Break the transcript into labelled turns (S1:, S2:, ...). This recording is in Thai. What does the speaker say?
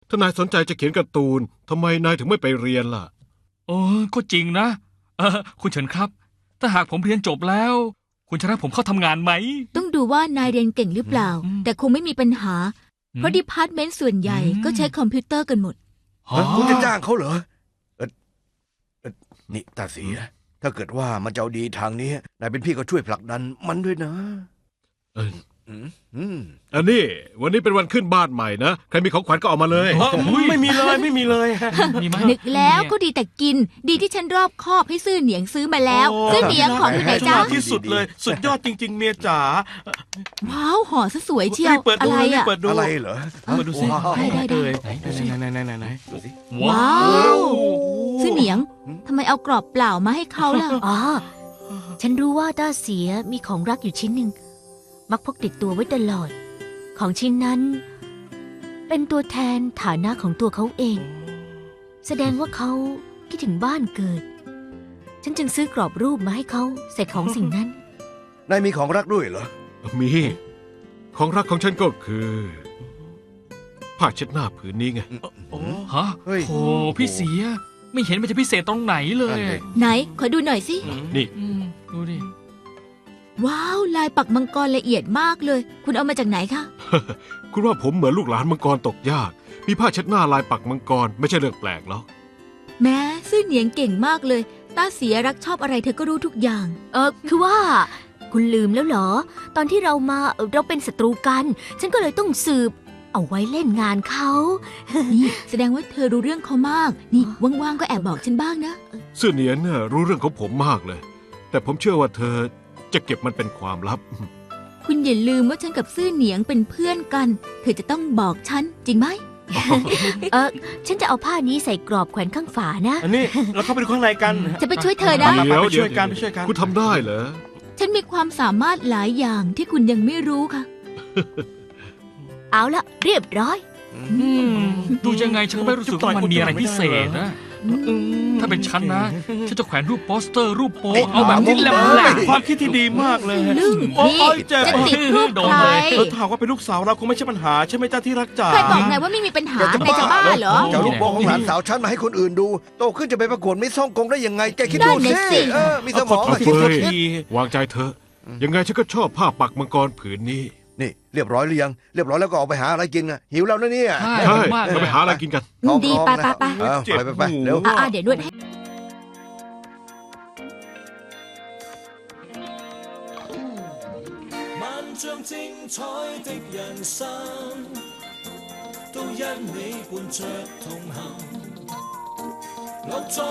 S1: ถ้านายสนใจจะเขียนการ์ตูนทำไมนายถึงไม่ไปเรียนล่ะ
S2: ก็จริงนะคุณเฉินครับถ้าหากผมเรียนจบแล้ว คุณจะรับผมเข้าทำงานไหม
S3: ต้องดูว่านายเรียนเก่งหรือเปล่า แต่คงไม่มีปัญหา เพราะดีพาร์ตเมนต์ส่วนใหญ่ก็ใช้คอมพิวเตอร์กันหมด
S4: คุณจะจ้างเขาเหรอนี่ตาเสียถ้าเกิดว่ามันจะเอาดีทางนี้นายเป็นพี่ก็ช่วยผลักดันมันด้วยนะ
S1: อันนี้วันนี้เป็นวันขึ้นบ้านใหม่นะใครมีของขวัญก็เอามาเลย
S5: ไม่มีเลย
S3: นึกแล้วก็ดีแต่กินดีที่ฉันรอบคอบให้ซื่อเหนียงซื้อมาแล้วซื่อเหนียงของอยู่ไหนจ๊ะ
S5: ที่สุดเลยสุดยอดจริงๆเมียจ๋า
S3: ว้าวห่อซะสวยเชียวอะไรอะ
S4: อะไรเหรอ
S2: เปิดดูสิ
S3: ได้
S5: ไหน
S4: ดูสิ
S3: ว้าวซื่อเหนียงทำไมเอากรอบเปล่ามาให้เขาล่ะ
S6: อ๋อฉันรู้ว่าต้าเสียมีของรักอยู่ชิ้นหนึ่งมักพกติดตัวไว้ตลอดของชิ้นนั้นเป็นตัวแทนฐานะของตัวเขาเองแสดงว่าเขาคิดถึงบ้านเกิดฉันจึงซื้อกรอบรูปมาให้เขาใส่ของสิ่งนั้น
S4: นายมีของรักด้วยเหรอ
S1: มีของรักของฉันก็คือผ้าเช็ดหน้าผืนนี้ไง
S2: ฮะโอ้พี่เสียไม่เห็นมันจะพิเศษตรงไหนเลย
S3: ไหนขอดูหน่อยสิ
S1: นี่
S2: ดูดิ
S3: ว้าวลายปักมังกรละเอียดมากเลยคุณเอามาจากไหนคะ
S1: คุณว่าผมเหมือนลูกหลานมังกรตกยากมีผ้าเช็ดหน้าลายปักมังกรไม่ใช่เรื่องแปลกหรอก
S3: แม้ซื่อเหนียงเก่งมากเลยต้าเสียรักชอบอะไรเธอก็รู้ทุกอย่าง
S6: คือว่าคุณลืมแล้วเหรอตอนที่เราเป็นศัตรูกันฉันก็เลยต้องสืบเอาไว้เล่นงานเขา
S3: นี่แสดงว่าเธอรู้เรื่องเขามากนี่ว่างๆก็แอบบอกฉันบ้างนะ
S1: ซื่อเหนียนเนี่ยรู้เรื่องของผมมากเลยแต่ผมเชื่อว่าเธอจะเก็บมันเป็นความลับ
S3: คุณอย่าลืมว่าฉันกับซื่อเหนียงเป็นเพื่อนกันเธอจะต้องบอกฉันจริงไหม
S6: ฉันจะเอาผ้านี้ใส่กรอบแขวนข้างฝานะ
S5: อันนี้เราเข้าไปดูข้างในกัน
S3: จะไปช่วยเธอนะ
S5: ไปช่วยกัน
S1: คุณทำได้เหรอ
S3: ฉันมีความสามารถหลายอย่างที่คุณยังไม่รู้ค่ะ
S6: เอาละเรียบร้อย
S2: ดูยังไงฉันไม่รู้สึกว่ามันมีอะไรพิเศษนะถ้าเป็นฉันนะฉันจะแขวนรูปโปสเตอร์รูปโป๊เอาแบบนี้แหละ
S5: ความคิดที่ดีมากเลย
S3: นี่จะติดรูปใคร
S5: ถ้าว่าเป็นลูกสาวเราคงไม่ใช่ปัญหาใช่ไหมจ้าที่รักจ๋า
S3: ใครบอกไงว่าไม่มีปัญหาในจะบ้าเหรอ
S4: จะลูกโป่งของหลานสาวฉันมาให้คนอื่นดูโตขึ้นจะไปประกวดมิสฮ่องกงได้ยังไงแกคิดดูสิมีสมอง
S1: คิดทีวางใจเถอะยังไงฉันก็ชอบผ้าปักมังกรผืนนี้
S4: นี่เรียบร้อยหรือยังเรียบร้อยแล้วก็ออกไปหาอะไรกินนะหิวแล้วนะเนี่ย
S1: ใช่เราไปหาอะไรกินกัน
S3: ดีไป
S4: ไปเร็ว
S3: เดี๋ยวนวดให้
S7: 萬丈精彩的人生，都因你伴着同行。